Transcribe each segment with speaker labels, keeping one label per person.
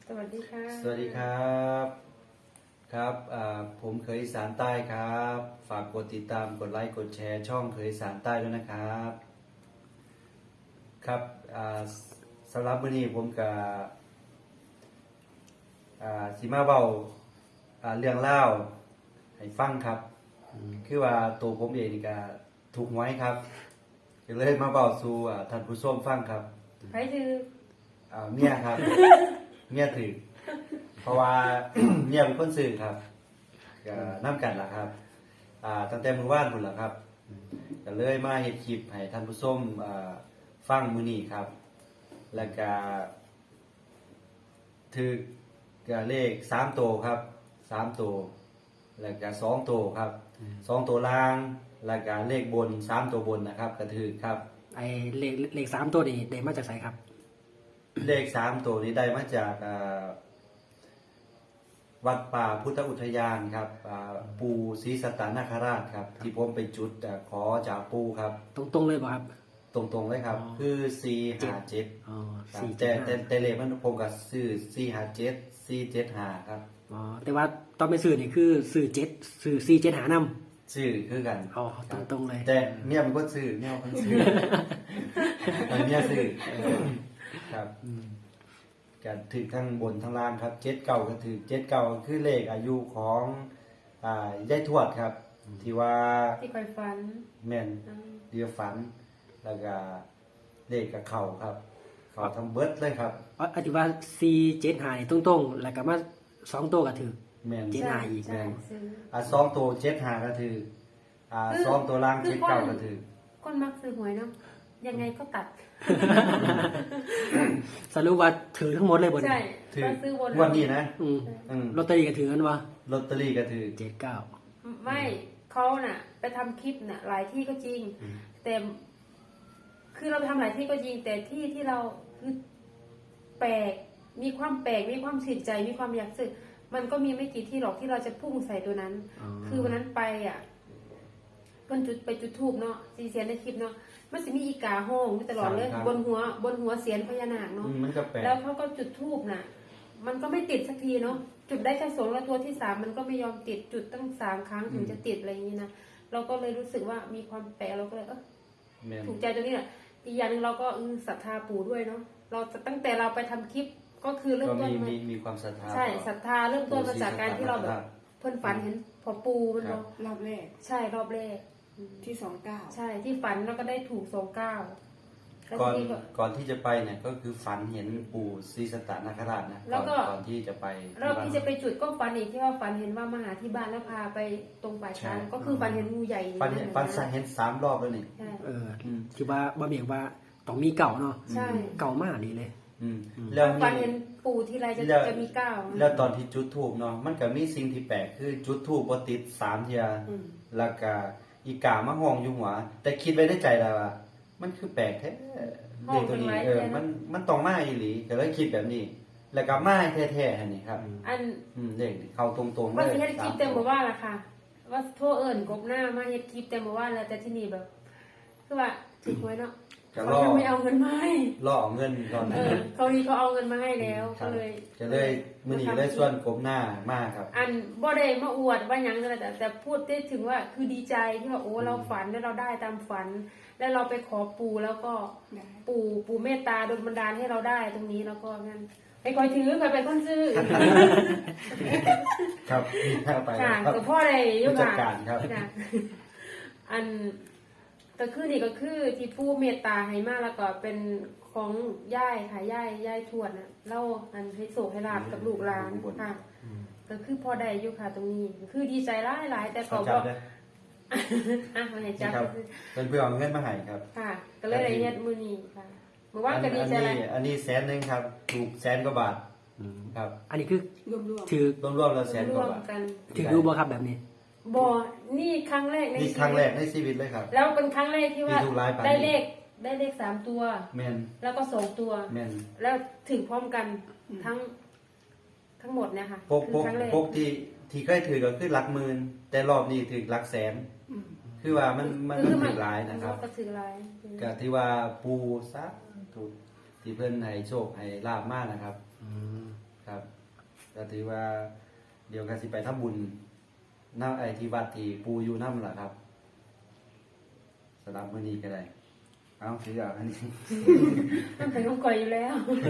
Speaker 1: สวัสดีค่ะ
Speaker 2: สวัสดีครับครับผมเคยอีสานใต้ครับฝากกดติดตามกดไลค์กดแชร์ช่องเคยอีสานใต้ด้วยนะครับครับสำหรับวันนี้ผมกับสิมาเบาเรื่องเล่าให้ฟังครับคือว่าตัวผมเองนี่ก็ถูกหวยครับก็เลยมาเบาสู่ท่านผู้ชมฟังครับ
Speaker 1: ใครคือ
Speaker 2: เมียครับ เมียถือเพราะว่า เมียเป็นคนซื้อครับก็น้ำกันล่ะครับตั้งแต่มื้อวานพุ่นล่ะครับก็เลยมาเฮ็ดคลิปให้ท่านผู้ชมฟังมื้อนี้ครับ แล้วก็ถือก็เลข3ตัวครับ3ตัวแล้วก็2ตัวครับ2ตัวล่างแล้วก็เลขบน3ตัวบนนะครับก็ถือครับ
Speaker 3: ไอ้เลข3ตัวนี่ได้มาจากไสครับ
Speaker 2: เลข3ตัวนี้ได้มาจากวัดป่าพุทธอุทยานครับปู่ศรีสัตตนาคราชครับที่ผมไปจุดขอจากปู่ครับ
Speaker 3: ตรงๆเลยป่ะครับ
Speaker 2: ตรงๆเลยครับคือ457
Speaker 3: อ๋อ
Speaker 2: แต่เลขมันผมก็ซื้อ457 475ครับ
Speaker 3: อ๋อแต่ว่าตอนไปซื้อนี่คือซื้อ7ซื้อ4 7หานำ
Speaker 2: ซื้อคือกัน
Speaker 3: อ๋อตรงๆเลย
Speaker 2: แต่เนี่ยมันก็ซื้อเนี่ยมันซื้อเนี่ยซื้อครับก็ถือทั้งบนทั้งล่างครับ79ก็ถือ79คือเลขอายุของยายทวดครับที่ว่า
Speaker 1: ที่คอยฝัน
Speaker 2: แม่นเดียวฝันแล้วก็เลขกับเข่าครับเข่าทั้งเบิดเลยครับ
Speaker 3: อธิว่า4 7หานี่ตรงๆแล้วก็มา2ตัวก็ถือ
Speaker 2: แม่น
Speaker 3: 7หาอีก
Speaker 2: แม่น2ตัว75ก็ถือ2ตัวล่าง79ก็ถือ
Speaker 1: คนมักซื้อหวยเนาะยังไงก็ตัด
Speaker 3: สรุปว่าถือทั้งหมดเลยบ่
Speaker 1: ใช่
Speaker 2: ถือวันนี้นะ
Speaker 3: ลอตเตอรี่ก็ถือกันวะ
Speaker 2: ลอตเตอรี่ก็ถือ
Speaker 3: 79
Speaker 1: ไม่เขาน่ะไปทำคลิปน่ะหลายที่ก็จริงแต่คือเราไปทำหลายที่ก็จริงแต่ที่เราคือแปลกมีความแปลกมีความสินใจมีความอยากซื้อมันก็มีไม่กี่ที่หรอกที่เราจะพุ่งใส่ตัวนั้นคือวันนั้นไปเพิ่นจุดธูปเนาะสีเสียนในคลิปเนาะมันสิมีอีกาห้องตลอดเลยบนหัวเสียนพญานาคเนาะแล้วเขาก็จุดธูปน่ะมันก็ไม่ติดสักทีเนาะจุดได้แค่2แล้วตัวที่3มันก็ไม่ยอมติดจุดตั้ง3ครั้งถึงจะติดอะไรอย่างนี้นะเราก็เลยรู้สึกว่ามีความแปลกเราก็เลยถูกใจตรงนี้แหละอีกอย่างนึงเราก็ศรัทธาปู่ด้วยเนาะเราตั้งแต่เราไปทำคลิปก็คือเริ่มต้น
Speaker 2: มีความศรัทธา
Speaker 1: ใช่ศรัทธาเริ่มต้นมาจากการที่เราแบบเพิ่นฝันเห็นพ่อปู่มันเนาะ
Speaker 4: รอบแรก
Speaker 1: ใช่รอบแรก
Speaker 4: ที่29
Speaker 1: ใช่ที่ฝันแล้วก็ได้ถูก29
Speaker 2: ก่อนที่จะไปเนี่ยก็คือฝันเห็นปู่ศรีสัตตนาคราชนะก่อนที่จะไป
Speaker 1: รอบที่จะไปจุดก็ฝันอีกที่ว่าฝันเห็นว่ามาหาที่บ้านแล้วพาไปตรงป่าช้าก็คือฝันเห็นงูใหญ่
Speaker 2: ฝันเห็น3รอบแล้วนี่
Speaker 3: คือว่าบ่เบียกว่าต้องมีเก่าเนาะ
Speaker 1: ใช่
Speaker 3: เก่ามากนี่เลย
Speaker 1: แล้วฝันเห็นปู่ที่ไรจะมี9
Speaker 2: แล้วตอนที่จุดธูปเนาะมันก็มีสิ่งที่แปลกคือจุดธูปบ่ติด3เที่ยแล้วก็อีกามาห้องอยู่หัวแต่คิดไว้ในใจแล้วว่ามันคือแปลกแท้เด็กตัวนี้มันต้องมาอีหลีก็เลยคิดแบบนี้แล้วก็มาแท้ๆอันนี้ครับเด็กเข้าตรงๆเลย
Speaker 1: ว่าสิเฮ็ดคลิปแต่บ่ว่าล่ะค่ะว่าโทรเอิ้นกบหน้ามาเฮ็ดคลิปแต่บ่ว่าแล้วแต่ที่นี่แบบคือว่าถูกหวยเนาะเขายังไม่เอาเงินมาให้
Speaker 2: รอเงินก่อน
Speaker 1: เขาเอาเงินมาให้แล้วก็เลย
Speaker 2: มื้อนี้เลยส่วนกบหน้ามาครับ
Speaker 1: บ่ได้มาอวดว่าหยังแต่พูดได้ถึงว่าคือดีใจที่ว่าโอ้เราฝันแล้วเราได้ตามฝันแล้วเราไปขอปู่แล้วก็ปู่เมตตาดลบันดาลให้เราได้ตรงนี้แล้วก็งั้นไปคอยถือไปเป็นคนซื้อ
Speaker 2: ครับไป
Speaker 1: ครับพ่อได้อยู่
Speaker 2: ค่ะครับ
Speaker 1: ก็คือนี่ก็คือที่ผู้เมตตาให้มาแล้วก็เป็นของย่ายค่ะย่ายทวดน่ะเล่าให้โศกให้ลาบกับลูกหลานค่ะก็คือพอได้อยู่ค่ะตรงนี้คือดีใจหลายแต่ก็มาให้จับ
Speaker 2: เป็นเพื่อเอาเงินมาให้ครับ
Speaker 1: ค่ะก็เลยได้เฮ็ดมื้อนี้ค่ะเมื่อวานก็ดีใจ
Speaker 2: อันนี้100,000ครับถูก100,000 กว่าบาทครับ
Speaker 3: อันนี้คือ
Speaker 1: ถือ
Speaker 2: รวมๆแล้ว100,000 กว่าบาท
Speaker 3: ถือรู้บ่ครับแบบนี้
Speaker 1: บ่นี่ครั้งแรกใน
Speaker 2: ชีวิตเลยครับ
Speaker 1: แล้วเป็นครั้งแรกที่ว่าได้เลข3ตัว
Speaker 2: แม่น
Speaker 1: แล้วก็2ตัว
Speaker 2: แม่น
Speaker 1: แล้วถึงพร้อมกันทั้งหมดเนี่ยค่ะ
Speaker 2: คือครั้งแรกพวกที่เคยถือก็คือหลักหมื่นแต่รอบนี้ถือหลักแสนคือว่ามันถือหลายนะครับ
Speaker 1: ก็ถือหลาย
Speaker 2: ก็ที่ว่าปูซะถูกที่เพิ่นให้โชคให้ลาภมากนะครับครับก็ถือว่าเดี๋ยวก็สิไปทำบุญน้าไอที่วัดที่ปูอยู่น้ำล่ะครับสำหรับมื้อนี้ก็ได้เอาถือเอาอันนี้
Speaker 1: มันเป็นของก่อยอยู่แล้ว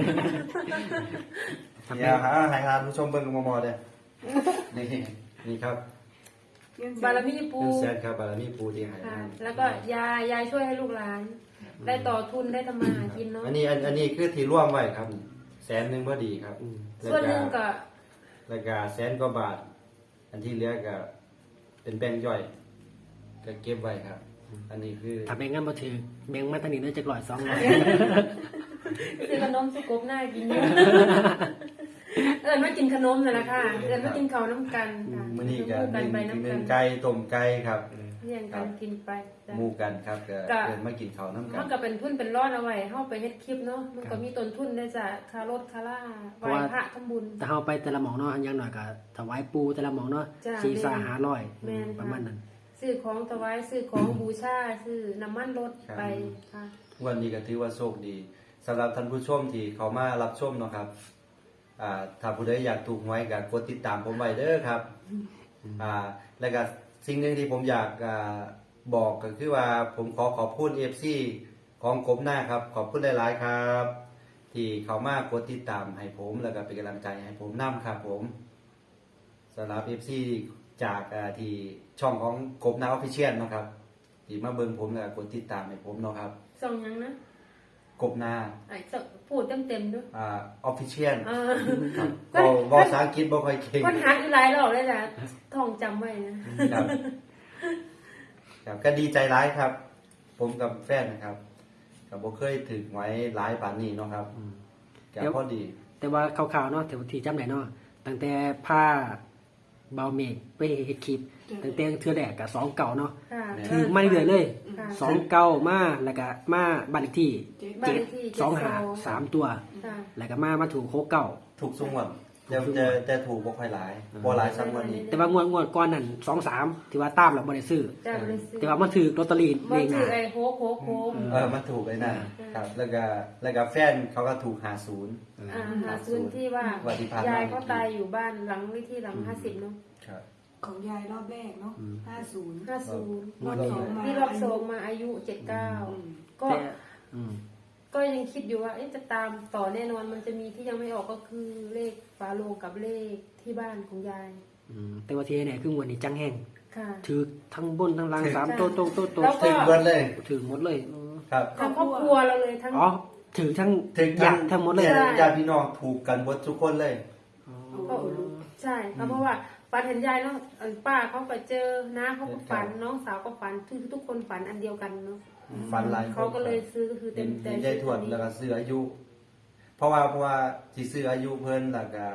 Speaker 2: อย่าหาให้ทานผู้ชมเบิ่งมอเด้อนี่นี่ครับ
Speaker 1: บารมีปู
Speaker 2: 100,000ครับบารมีปูที่ให้
Speaker 1: ค่ะ
Speaker 2: ให้
Speaker 1: แล้วก็ยายช่วยให้ลูกหลาน ได้ต่อทุนได้ทำมาหากินเนาะ
Speaker 2: อันนี้คือที่ร่วมไว้ครับ100,000พอดีครับ
Speaker 1: ส่วนหนึ่งก็
Speaker 2: แล้วก็100,000 กว่าบาท อันที่เหลือก็เป็นแบงค์ย่อยก็เก็บไว้ครับ อันนี้คือ
Speaker 3: ถ้าแบ่งกันมาถือแบ่งมาตั้งนี้น่าจะ100 200
Speaker 1: ซื้อขนมสุกบหน้ากินอยู่ มากินขนมนั่นแหละค่ะมากินข้าวน้ำกันค่ะ
Speaker 2: มื้อนี้ก็
Speaker 1: กันไป
Speaker 2: ห
Speaker 1: น้ำ
Speaker 2: นึ่
Speaker 1: กั
Speaker 2: ง
Speaker 1: น
Speaker 2: ไก่ต้มไก่ครับ
Speaker 1: เลี้ยงกันกินไปจ้ะ
Speaker 2: หมู่กันครับก็
Speaker 1: ก็
Speaker 2: เดินมากินข้าวน้ำกั
Speaker 1: มัน นก็เป็นทุนเป็นรอดเอาไว้เฮาไปเฮ็ดคลิปเนาะมันก็มีต้นทุนได้จากค่ารถค่าล่าไหว้พระทำบุญ
Speaker 3: แต่เฮาไปแต่ละหม่องเนาะอย่างน้อยก็ถวายปูแต่ละหม่องเนาะ
Speaker 1: จ้ะ
Speaker 3: 4-500
Speaker 1: แม่น
Speaker 3: ประมาณนั้น
Speaker 1: ซื้อของถวายซื้อของบูชาซื้อน้ำมันรถไปค่ะ
Speaker 2: วันนี้ก็ถือว่าโชคดีสำหรับท่านผู้ชมที่เขามารับชมเนาะครับถ้าผู้ใดอยากถูกหวยก็กดติดตามผมไว้เด้อครับแล้วก็สิ่งหนึ่งที่ผมอยากบอกก็คือว่าผมขอบคุณ FC ของกบหน้าครับขอบคุณหลายๆครับ ที่เขามากดติดตามให้ผมแล้วก็เป็นกำลังใจให้ผมนํครับผมสำหรับ FC จากที่ช่องของกบหน้าออฟฟิเชียลเนาะครับที่มาเบิ่งผมแล้วก็กดติดตามให้ผมเนาะครับ
Speaker 1: ส่งหยังนะ
Speaker 2: กบหน้า
Speaker 1: ไอ้ส่งพูดเต็มๆด้วย
Speaker 2: ออฟฟิเชียล
Speaker 1: อ่า
Speaker 2: ครับบอกภาษาอังกฤษบ่ค่อยเก่ง
Speaker 1: คนหาอยู่หลายรอบเลยนะท่องจำไว้นะครับ
Speaker 2: ครับก็ดีใจร้ายครับ ผมกับแฟนนะครับก็บ่เคยถึงไว้หลายปานนี้เนาะครับก็พอดี
Speaker 3: แต่ว่าคร่าวๆเนาะที่จำได้เนาะตั้งแต่ผ้าเบาเมฆไปเฮ็ดคลิปตั้งแต่เทื่อแรกก็2 เก่าเนาะ
Speaker 1: ค่ะ
Speaker 3: ถือมาเรื่อยๆเลย
Speaker 1: ค่ะ
Speaker 3: 2 เก่ามาแล้วก็มาบ้านเลขที่
Speaker 1: บ้านเลขที่
Speaker 3: 7 2 5 3 ตัว
Speaker 1: ค่ะ
Speaker 3: แล้วก็มาถูก6 เก่า
Speaker 2: ถูกสุงวันแต่ถูกบ่ค่อยหลายบ่หลายซ้ำวันนี้
Speaker 3: แต่ว่างวดก่อนนั่น2 3ที่ว่าตามแล้วบ่ได้ซื้อ
Speaker 1: จ้าบริสุทธิ์
Speaker 3: แต่ว่ามันถือลอตเตอรี่
Speaker 1: มั
Speaker 3: เล
Speaker 1: น
Speaker 3: ขห
Speaker 1: ถื
Speaker 3: น้า
Speaker 1: อไอ้โฮก
Speaker 2: มันถูกเลยนะครับแล้วก็แฟนเขาก็ถูก50
Speaker 1: หาซื้อที่ว่า
Speaker 2: วันที่ผ่านมาย
Speaker 1: ายเขาตายอยู่บ้านหลังวิธีหลัง50เนาะ
Speaker 2: ครับ
Speaker 4: ของยายรอบแรกเนาะ50
Speaker 1: 50
Speaker 4: รอบสองมา
Speaker 1: ที่รอบสองมาอายุ79ก็
Speaker 3: แต่อืม
Speaker 1: ก็ยังคิดอยู่ว่าจะตามต่อแน่นอนมันจะมีที่ยังไม่ออกก็คือเลขฝาโลงกับเลขที่บ้านของยาย
Speaker 3: แต่ว่าที่ไหนคืองวดนี้จังแห้ง
Speaker 1: ค่ะ
Speaker 3: ถือทั้งบนทั้งล่าง
Speaker 2: ถือ
Speaker 3: 3ตัว
Speaker 1: แล้วก็
Speaker 2: ถึงเบิดเลย
Speaker 3: ถือหมดเลย
Speaker 2: ครับ
Speaker 1: ทั้งครอบครัวเราเลยทั้ง
Speaker 3: อ๋อถือทั้ง
Speaker 2: ถึง
Speaker 3: ญาติทั้งหมดเลย
Speaker 1: ใช่
Speaker 2: ญาติพี่น้องถูกกันหมดทุกคนเลย
Speaker 1: ก็ใช่เพราะว่าฝันเห็นยายเนาะป้าเขาก็เจอน้าเขาก็ฝันน้องสาวก็ฝันทุกคนฝันอันเดียวกันเนาะ
Speaker 2: ฟันลาย
Speaker 1: เขาก็เลยซื้อก็คือ
Speaker 2: เต็
Speaker 1: เต็
Speaker 2: ม
Speaker 1: ม
Speaker 2: ใจทวดแล้วก็ซื้ออายุ เพราะว่าที่ซื้ออายุเพิ่นแล้วก็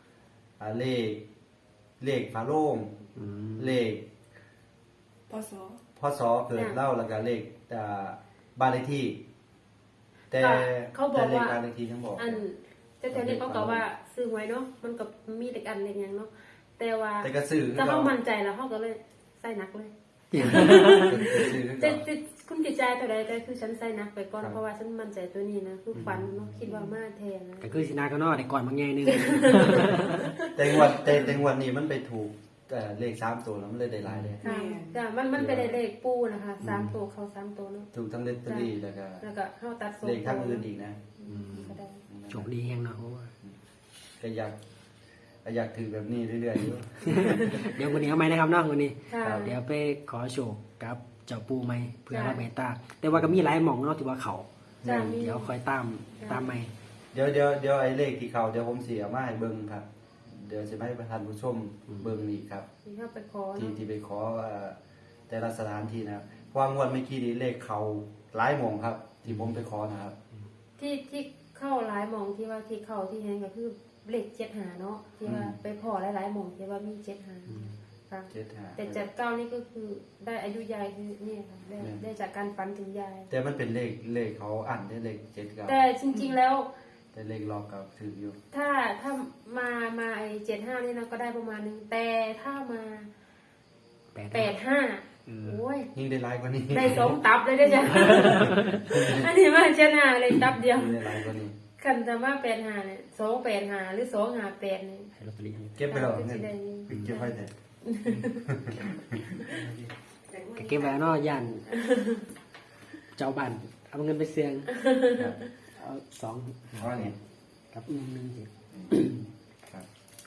Speaker 2: เลขฝาโล่งเลข
Speaker 4: พศ
Speaker 2: พศเกิดเล่าแล้วก็เลขบ้านเลขที่ แต่
Speaker 1: เขาบอก
Speaker 2: แต่เลข
Speaker 1: ว่า
Speaker 2: บ้านเลขที่ทั้งบอก
Speaker 1: อันแต่เนี่ยเขาก็ว่าซื้อหวยเนาะมันก็มีเด็กอันเล็กอย่างเนาะแต่ว่า
Speaker 2: แต่ก็ซื้อ
Speaker 1: ก็เขามั่นใจแล้วเขาก็เลยใส่หนักเลย
Speaker 2: ซื้อ
Speaker 1: จะคุณจิตใจเท่าใดก็คือฉันใส่หนักไปก่อนเพราะว่าฉันมั่นใจตัวนี้นะคือฝันเนาะคิดว่ามาแทนนะ
Speaker 3: ก็คือสินาก็นอได้ก่อนบางแง่นึง
Speaker 2: แต่งวดนี้มันไปถูกเลข3ตัวแล้วมันเลยได้หลายเลย
Speaker 1: ค่ะจ้ะมันเป็นเลขปูนะคะ3ตัวเขา3ตัวเนาะ
Speaker 2: ถูกทั้งเลตเตอรี่แล้วก็
Speaker 1: แล้วก็เข้าตัดโซ่
Speaker 2: เลขทั้งอื่นอีกนะ
Speaker 1: ก็ได้
Speaker 3: โชคดีแฮงเนาะโอ้ย
Speaker 2: ก็อยากถือแบบนี้เรื่อยๆอยู่
Speaker 3: เดี๋ยววันนี้เอาไหมนะครับเนาะวันนี้
Speaker 1: ค่ะ
Speaker 3: เดี๋ยวไปขอโชคกับเจ้าปูไหมเพื่อรับเมตตาแต่ว่าก็มีหลายหม่องเนาะที่ว่าเขา
Speaker 1: จ้ะมี
Speaker 3: เดี๋ยวคอยตามไหม
Speaker 2: เดี๋ยวไอ้เลขที่เขาเดี๋ยวผมเสียมาให้เบิ่งครับ เดี๋ยวจะให้ประธานผู้ชมเบิ่งอีกครับ
Speaker 1: ที่เข้าไปขอ
Speaker 2: ที่
Speaker 1: เนาะ
Speaker 2: ไปขอแต่ละสถานที่นะครับเพราะว่างวดเมื่อกี้นี้เลขเขาหลายหม่องครับ ที่ผมไปขอนะครับ
Speaker 1: ที่เข้าหลายหมองที่ว่าที่เข้าที่แฮงก็คือเลข7 เนาะที่ว่าไปพอหลายๆหมองที่ว่ามี7 ค่ะ
Speaker 2: 75
Speaker 1: แต่79นี่ก็คือได้อายุยายคือเนี่ยค่ะได้จากการฝันถึงยาย
Speaker 2: แต่มันเป็นเลขเขาอ่านได้เลข79
Speaker 1: แต่จริงๆแล้ว
Speaker 2: แต่เลขรอบกับถืออยู่
Speaker 1: ถ้ามาไอ้75นี่นะก็ได้ประมาณนึงแต่ถ้ามา85โอ้ย
Speaker 2: ยิ่งได้หลายกว่านี้
Speaker 1: ได้2 ตับเลยได้อจ้ะ อันนี้มา75เลยตับเดียว
Speaker 2: ยิ่งได้หลายกว่านี้
Speaker 1: คันจะว่า85เนี่ย285หรือ258เนี่ย
Speaker 3: ให้ลอตเตอรี่
Speaker 2: เก็บไปแล้ว
Speaker 1: คือ
Speaker 2: เงิ
Speaker 1: สิ
Speaker 2: น
Speaker 1: ได้
Speaker 2: เก็บไว้แต่
Speaker 3: ก็เก็บไว้เนาะย่านเจ้าบ้านเอาเงินไปเสี่ยงเอา2
Speaker 2: ว่าไง
Speaker 3: กับ1สิ
Speaker 2: ครับ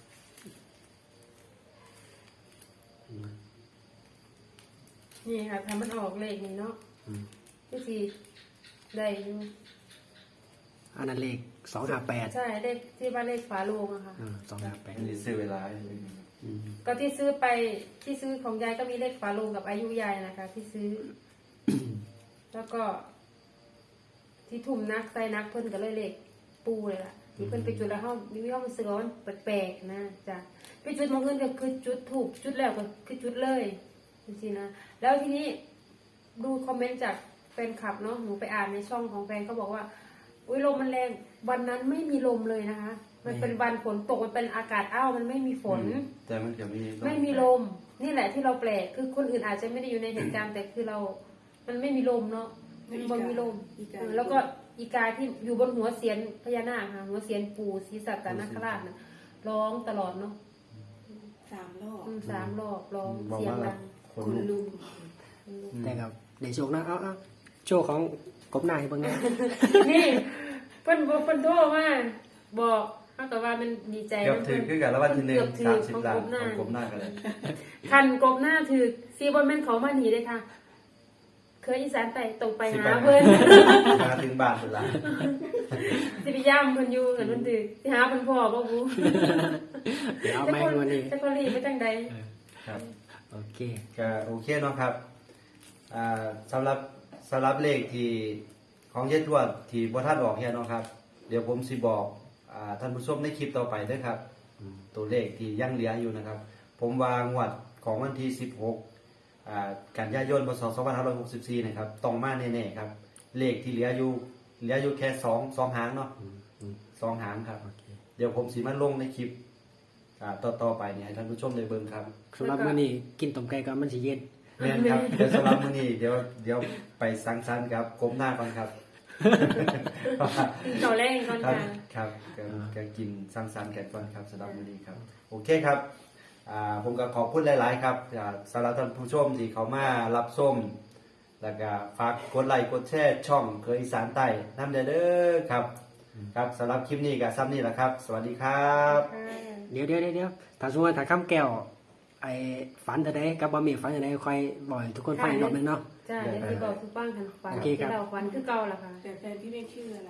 Speaker 1: นี่ค่ะถ้ามันออกเลขนี่เนาะ
Speaker 3: อืม
Speaker 1: ก็สิได้อยู่
Speaker 3: อันนั้นเลข258
Speaker 1: ใช่เลขที่ว่าเลขฝาโลงอะค่ะ
Speaker 2: อันนี้
Speaker 3: 258
Speaker 2: ซื้อเวลา
Speaker 1: ก็ที่ซื้อไปที่ซื้อของยายก็มีเลขฝาโลงกับอายุยายนะคะ ที่ซื้อ แล้วก็ ที่ทุ่มนักใส่นักเพิ่นก็เลยเลขปูเลยล่ะที่เพิ่นไปจุดแล้วเฮามีความรู้สึกว่ามันแปลกๆนะจ้ะไปจุดมองเงินก็คือจุดถูกจุดแล้วก็คือจุดเลยจริงๆนะแล้วทีนี้ดูคอมเมนต์จากแฟนคลับเนาะหนูไปอ่านในช่องของแฟนเขาบอกว่าอุ้ยลมมันแรงวันนั้นไม่มีลมเลยนะคะ มันเป็นวันฝนตกมันเป็นอากาศอ้าวมันไม่มีฝน
Speaker 2: แต่มันจะมี
Speaker 1: ไม่มีลม นี่แหละที่เราแปลกคือคนอื่นอาจจะไม่ได้อยู่ในเหตุการณ์แต่คือเรา มันไม่มีลมเนาะมันมีลมแล้วก็อีกาที่อยู่บนหัวเสียนพญานาคค่ะหัวเสียนปู่ศรีสัตตนคราชนะร้องตลอดเนาะ
Speaker 4: 3 รอบ
Speaker 1: 3 รอบร้อง
Speaker 2: บอก
Speaker 1: เสียง
Speaker 2: ว่า
Speaker 1: ดัง
Speaker 2: คน
Speaker 4: คุณ
Speaker 2: ลุก
Speaker 4: ลุง
Speaker 3: แต่ครับในโชคนะเอาโชคของกบหน้าให้เบิ่งนะ
Speaker 1: นี่เพิ่นโทรมาบอกเขาแต่ว่ามันดีใจ
Speaker 2: เกือบถือคือกันแล้ววันที่หนึ่ง
Speaker 1: เกือบถือ
Speaker 2: 30 ล้าน
Speaker 1: ของกบหน้า
Speaker 2: ของกบหน้ากันเลย
Speaker 1: คันกบหน้าถือซีบอลแม่นเขามาหนีเลยค่ะ เคยอีสานไปตรงไปหาเพิ่น
Speaker 2: มาถึงบ้านสุดละ
Speaker 1: สิไปย่ำเพิ่นอยู่กันเพิ่นถือสิหาเพิ่นพ่อบ่บู
Speaker 3: เดี๋ยวเอาไม้วันนี้
Speaker 1: แต่คนรีไปจังใด
Speaker 2: ครับ
Speaker 3: โอเค
Speaker 2: ก็โอเคเนาะครับสำหรับเลขที่ของเยทวดที่บ่ทันออกเฮียเนาะครับ เดี๋ยวผมสิบอกท่านผู้ชมในคลิปต่อไปเด้วยครับ ตัวเลขที่ยังเหลืออยู่นะครับ ผมวางวดของวันที่ 16กันยายนพศ2564นะครับต้องมาแน่ๆครับ เลขที่เหลืออยู่แค่2หางเนาะ2หางครับ
Speaker 3: โอเค
Speaker 2: เดี๋ยวผมสิมาลงในคลิปต่อไปเนี่ยให้ท่านผู้ชมได้เบิ่งครับ
Speaker 3: สำหรับมื้อนี้กินต้มไก่ก่อนมันสิเย็น
Speaker 2: แม่นครับเดี๋ยวสำหรับมื้อนี้เดี๋ยวไปสังสรรค์ครับก้มหน้าก่อนครับ
Speaker 1: กินข้าวแรงก่อน
Speaker 2: ครับ
Speaker 1: ค่ะ
Speaker 2: ครับก็กินสังสรรค์กันก่อนครับสำหรับมื้อนี้ครับ โอเคครับผมก็ขอบคุณหลาย ๆ ครับสำหรับท่านผู้ชมที่เขามารับชมแล้วก็ฝากกดไลค์กดแชร์ช่องเคยอีสานใต้น้ำเด้อครับครับสำหรับคลิปนี้ก็ซ้ำนี่แหละครับ สวัสดีครับ
Speaker 3: เดี๋ยวถ้าสมมุติว่าถ้าคำแก้วไอ้ฝันแต่ใดกับบะหมี่ฝันแต่ใดค่อยบอกให้ทุกคนฟังอีกรอบหนึงเนาะ
Speaker 1: ใช่เดี๋ยวสิบอกทุกบ้างกันฝัน
Speaker 3: โอเคครับ
Speaker 1: ที่เราฝันคือเก่าล่ะค่ะ
Speaker 4: แต่แฟนพี่เมฆชื่ออะไร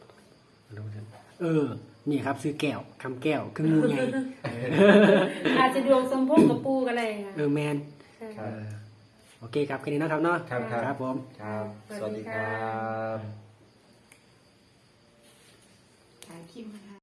Speaker 3: นี่ครับซื้อแก้วคำแก้วคืองูใหญ่
Speaker 1: อาจจะดวงสมพงษ์กับปูกันเลยค่ะ
Speaker 3: แมน
Speaker 1: ใช่
Speaker 2: ครับ
Speaker 3: โอเคครับแค่นี้นะครับเนาะ
Speaker 2: ครับ
Speaker 3: ครับผม
Speaker 2: ครับ สวัสดีครับ
Speaker 4: ถ่ายคลิปนะคะ